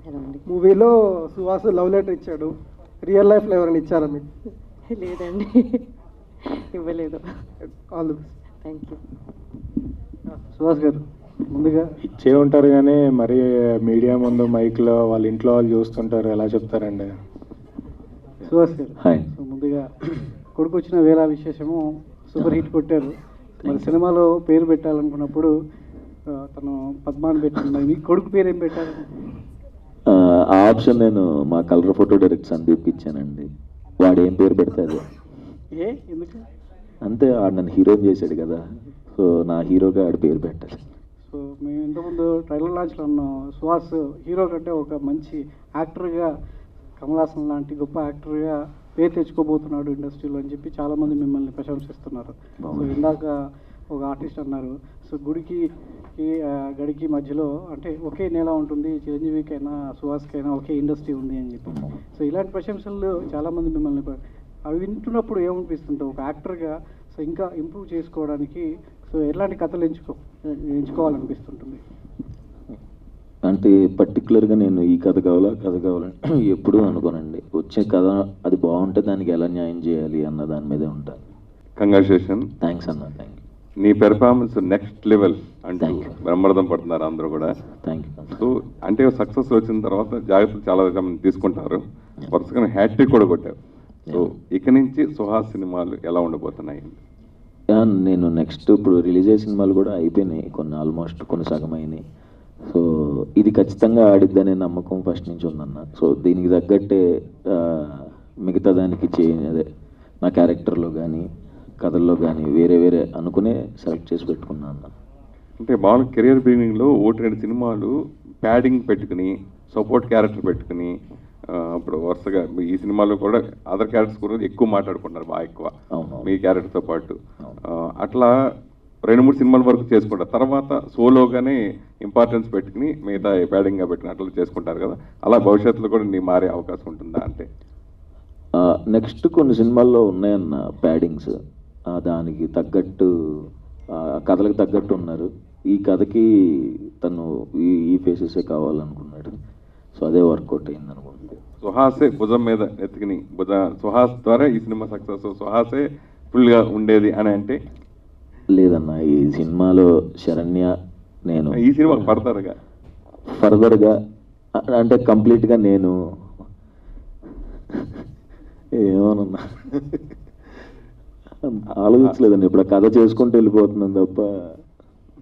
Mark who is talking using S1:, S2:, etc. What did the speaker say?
S1: మూవీలో Suhas love letter ఇచ్చాడు, real లైఫ్లో ఎవరైనా ఇచ్చారా మీకు?
S2: లేదండి, ఇవ్వలేదు.
S1: All the best.
S2: Thank you.
S1: Suhas garu ముందుగా
S3: ఇచ్చే ఉంటారు కానీ మరి మీడియా ముందు మైక్లో వాళ్ళ ఇంట్లో వాళ్ళు చూస్తుంటారు, ఎలా చెప్తారండి?
S1: సుహాస్ గారు
S4: హాయ్.
S1: సో ముందుగా కొడుకు వచ్చిన వేళ విశేషము సూపర్ హిట్ కొట్టారు. మరి సినిమాలో పేరు పెట్టాలనుకున్నప్పుడు తను పద్మాని పెట్టుకున్నారు, మీ కొడుకు పేరు ఏం పెట్టారు?
S4: ఆ ఆప్షన్ నేను మా కలర్ ఫోటో డైరెక్ట్ సందీప్కి ఇచ్చానండి. వాడు ఏం పేరు పెడితే అదే.
S1: ఎందుకు?
S4: అంతే, ఆడు నన్ను హీరోని చేశాడు కదా, సో నా హీరోగా ఆడు పేరు పెట్టాలి.
S1: సో మేము ఇంతకుముందు ట్రైలర్ లాంచ్లో ఉన్నాం, సుహాస్ హీరో కంటే ఒక మంచి యాక్టర్గా, కమల్ హాసన్ లాంటి గొప్ప యాక్టర్గా పేరు తెచ్చుకోబోతున్నాడు ఇండస్ట్రీలో అని చెప్పి చాలామంది మిమ్మల్ని ప్రశంసిస్తున్నారు. సో ఇందాక ఒక ఆర్టిస్ట్ అన్నారు, సో గుడికి గడికి మధ్యలో అంటే ఒకే నేల ఉంటుంది, చిరంజీవికైనా సుహాస్కైనా ఒకే ఇండస్ట్రీ ఉంది అని చెప్పి. సో ఇలాంటి ప్రశంసలు చాలామంది మిమ్మల్ని అవి వింటున్నప్పుడు ఏమనిపిస్తుంటావు ఒక యాక్టర్గా? సో ఇంకా ఇంప్రూవ్ చేసుకోవడానికి సో ఎలాంటి కథలు ఎంచుకోవాలనిపిస్తుంటుంది?
S4: అంటే పర్టికులర్గా నేను ఈ కథ కావాలా కథ కావాలని ఎప్పుడూ అనుకోనండి. వచ్చే కథ అది బాగుంటే దానికి ఎలా న్యాయం చేయాలి అన్న దాని మీదే ఉంటాను.
S5: కంగ్రాచులేషన్.
S4: థ్యాంక్స్ అన్న, థ్యాంక్ యూ.
S5: నీ పెర్ఫార్మెన్స్ నెక్స్ట్ లెవెల్ అంటూ బ్రహ్మరథం పడుతున్నారు అందరూ కూడా.
S4: Thank you.
S5: సో అంటే సక్సెస్ వచ్చిన తర్వాత జాగ్రత్తలు చాలా మంది తీసుకుంటారు, వరుసగా హ్యాట్రిక్ కూడా కొట్టారు. సో ఇక నుంచి సుహాస్ సినిమాలు ఎలా ఉండబోతున్నాయి?
S4: నేను నెక్స్ట్ ఇప్పుడు రిలీజ్ అయ్యే సినిమాలు కూడా అయిపోయినాయి, కొన్ని ఆల్మోస్ట్ కొన్ని సగం అయినాయి. సో ఇది ఖచ్చితంగా ఆడిద్దనే నమ్మకం ఫస్ట్ నుంచి ఉందన్న. సో దీనికి తగ్గట్టే మిగతా దానికి అదే నా క్యారెక్టర్లో కానీ కథల్లో కానీ వేరే వేరే అనుకునే సెలెక్ట్ చేసి పెట్టుకున్నాను అన్న.
S5: అంటే మామూలు కెరియర్ బిగినింగ్లో ఒకటి రెండు సినిమాలు ప్యాడింగ్ పెట్టుకుని సపోర్ట్ క్యారెక్టర్ పెట్టుకుని ఇప్పుడు వరుసగా ఈ సినిమాలో కూడా అదర్ క్యారెక్టర్స్ గురించి ఎక్కువ మాట్లాడుకుంటున్నారు, బాగా ఎక్కువ మీ క్యారెక్టర్తో పాటు. అట్లా 2-3 సినిమాల వరకు చేసుకుంటారు, తర్వాత సోలోగానే ఇంపార్టెన్స్ పెట్టుకుని మిగతా ప్యాడింగ్గా పెట్టుకుని అట్లా చేసుకుంటారు కదా. అలా భవిష్యత్తులో కూడా నీ మారే అవకాశం ఉంటుందా? అంటే
S4: నెక్స్ట్ కొన్ని సినిమాల్లో ఉన్నాయన్న ప్యాడింగ్స్, దానికి తగ్గట్టు కథలకు తగ్గట్టు ఉన్నారు. ఈ కథకి తను ఈ ఫేసెసే కావాలనుకున్నాడు, సో అదే వర్కౌట్ అయింది అనుకుంటుంది.
S5: సుహాసే భుజం మీద ఎత్తుకుని సుహాస్ ద్వారా ఈ సినిమా సక్సెస్, సుహాసే ఫుల్గా ఉండేది అని అంటే
S4: లేదన్న. ఈ సినిమాలో శరణ్య నేను
S5: ఈ సినిమాకి పడతారుగా
S4: ఫర్దర్గా అంటే కంప్లీట్గా నేను ఏమోనన్నా ఆలోచించలేదండి. ఇప్పుడు కథ చేసుకుంటూ వెళ్ళిపోతున్నాను తప్ప